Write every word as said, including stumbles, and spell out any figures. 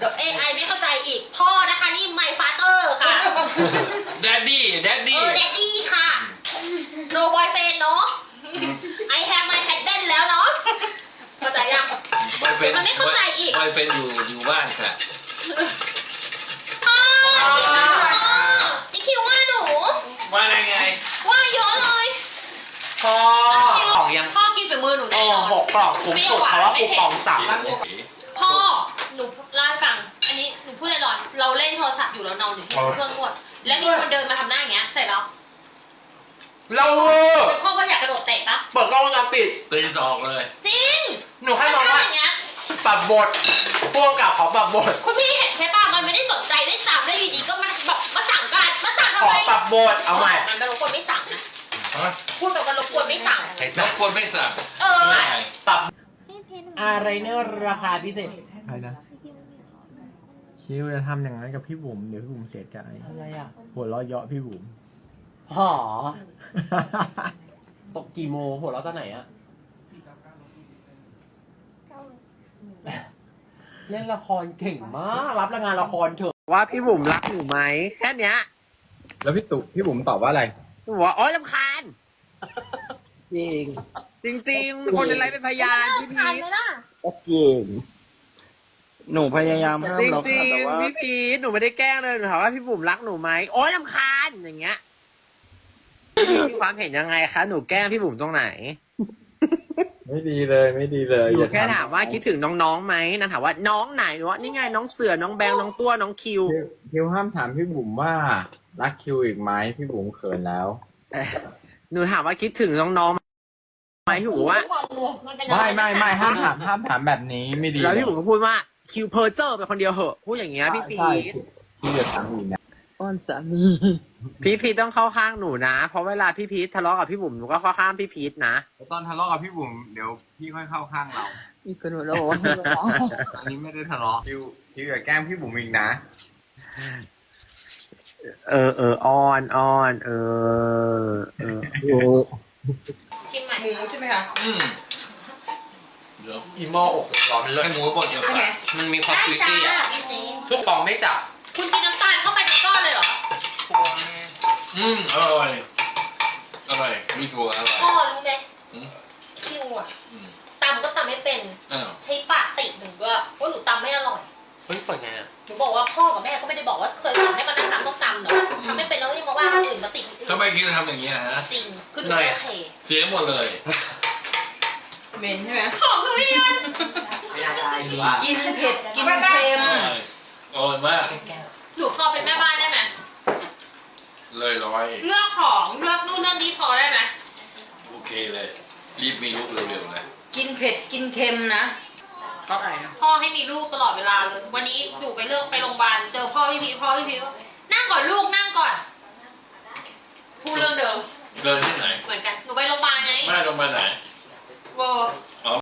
ดี๋ยว เอ ไอ ไม่เข้าใจอีกพ่อนะคะนี่ my father ค่ะ daddy เอ daddy อ daddy ค่ะ no boyfriend เนาะ I have my husband แล้วเนาะเข้าใจยัง boyfriend มันไม่เข้าใจอีก boyfriend อยู่อยู่บ้านค่ะพ่ออีคิวว่าหนูว่าไงไงว่าเยอะเลยพ่อของยังพ่อกินฝีมือหนูโอ้แน่นอนหกกล่องคุ้มสุดเพราะว่าคูปองสั่งพ่อหนูเล่าให้ฟัง อันนี้หนูพูดลอยๆเราเล่นโทรศัพท์อยู่แล้วนอนอยู่ที่เครื่องนวดแล้วมีคนเดินมาทำหน้าอย่างเงี้ยใส่เราเราเวอร์พ่อก็อยากกระโดดเตะปะเปิดกล้องวงจรปิดเป็นสองเลยจริงหนูแค่มองว่าอย่างเงี้ยปรับบทพ่วงกับเขาปรับบทคุณพี่เห็นใช่ป่ะมันไม่ได้สนใจได้สั่งได้ดีๆก็มาแบบมาสั่งกันมาสั่งขทำอไมปรับบทเอาใหม่มันรบกวนไม่สั่งนะฮะพูดแบบว่ารบกวนไม่สั่งใครน้สั่อง งคนไม่สั่งเออใช่ปรับอะไรเนอร์ราคาพิเศษอะไรนะคิวจะทำอย่างนั้นกับพี่บุ๋มเดี๋ยวพี่บุ๋มเสียใจอะไรอ่ะหัวเราะเยาะพี่บุ๋มหอตกกี่โมงหัวเราะตอนไหนอะเล่นละครเก่งมากรับรางงานละครเถอะว่าพี่บุ๋มรักหนูไหมแค่เนี้ยแล้วพี่ตุพี่บุ๋มตอบว่าอะไรหนูว่าโอ๊ยรำคาญจริงจริงๆ คนอะไรเป็นพยานพี่พีทานทไหมล่ะจริงหนูพยายามห้ามจแล้วริค่ะงแต่ว่าๆพี่พีทหนูไม่ได้แกล้งเลยหนูถามว่าพี่บุ๋มรักหนูไหมโอ๊ยรำคาญอย่างเงี้ยพี่พีทมีความเห็นยังไงคะหนูแกล้งพี่บุ๋มตรงไหนไม่ดีเลยไม่ดีเลยหนูแค่ถามว่าคิดถึงน้องๆไหมนางถามว่าน้องไหนหนูว่านี่ไงน้องเสือน้องแบงน้องตัวน้องคิวคิวคิวห้ามถามพี่บุ๋มว่ารักคิวอีกไหมพี่บุ๋มเขินแล้วเอ่อหนูถามว่าคิดถึงน้องๆไหมพี่บุ๋มบอกว่าไม่ไม่ไม่ห้ามถามห้ามถามแบบนี้ไม่ดีแล้วพี่บุ๋มก็พูดว่าคิวเพอร์เจอร์เป็นคนเดียวเหอะพูดอย่างเงี้ยพี่พีใช่ทพี่จะถามอีกนะอ้อนสามีพี่พีทต้องเข้าข้างหนูนะ เพราะเวลาพี่พีททะเลาะกับพี่บุ๋มหนูก็เข้าข้างพี่พีทนะตอนทะเลาะกับพี่บุ๋มเดี๋ยวพี่ค่อยเข้าข้างเรามีคนหัวเราะบอกว่าหัวเราะอันนี้ไม่ได้ทะเลาะคิวคิวอย่าแกล้งพี่บุ๋มอีกนะเออเอออ้อนอ้อนเออเออชิมใหม่หมูใช่ไหมคะอืมเดี๋ยวอีหม้ออกร้อนมันเลิศให้หมูบดเดี๋ยวใช่ก่อไหมนมันมีความได้คุยจ้าตี้อ่ะจริงทุกฟองไม่จับๆคุณกินน้ำตาลเข้าไปในก้อนเลยเหรออืมอร่อยอร่อยมีถั่วอร่อยพ่อรู้ไหมอืมคิวอ่ะอืมตำก็ตำไม่เป็นอ้าวใช้ปากติหนูว่าว่าหนูตำไม่อร่อยเฮ้ยเปิดไงอ่ะหนูบอกว่าพ่อกับแม่ก็ไม่ได้บอกว่าเคยสอนให้มานั่งตำต้องตำเนาะทำไม่เป็นแล้วก็ยังมาว่าคนอื่นมาติคนอื่นทำไมกินทำอย่างเงี้ยฮะจริงคือหนูไม่โอเคเสียหมดเลยเหม็นใช่ไหมหอมกับพี่มันไม่ได้หรือว่ากินเผ็ด กินเค็มอร่อยอร่อยมากหนูพอเป็นแม่บ้านได้ไหมเลยร้อยเลือกของเลือกนู่นเลือกนี้พอได้ไหมโอเคเลย รีบมีลูกเร็วๆนะกินเผ็ด กินเค็มนะชอบอะไรนะพ่อให้มีลูกตลอดเวลาเลยวันนี้หนูไปเลือกไปโรงพยาบาลเจอพ่อพี่พีชพ่อพี่พีชว่านั่งก่อนลูกนั่งก่อนพูดเรื่องเดิมเดินที่ไหนเหมือนกันหนูไปโรงพยาบาลไงไม่ลงมาไหนเวอร์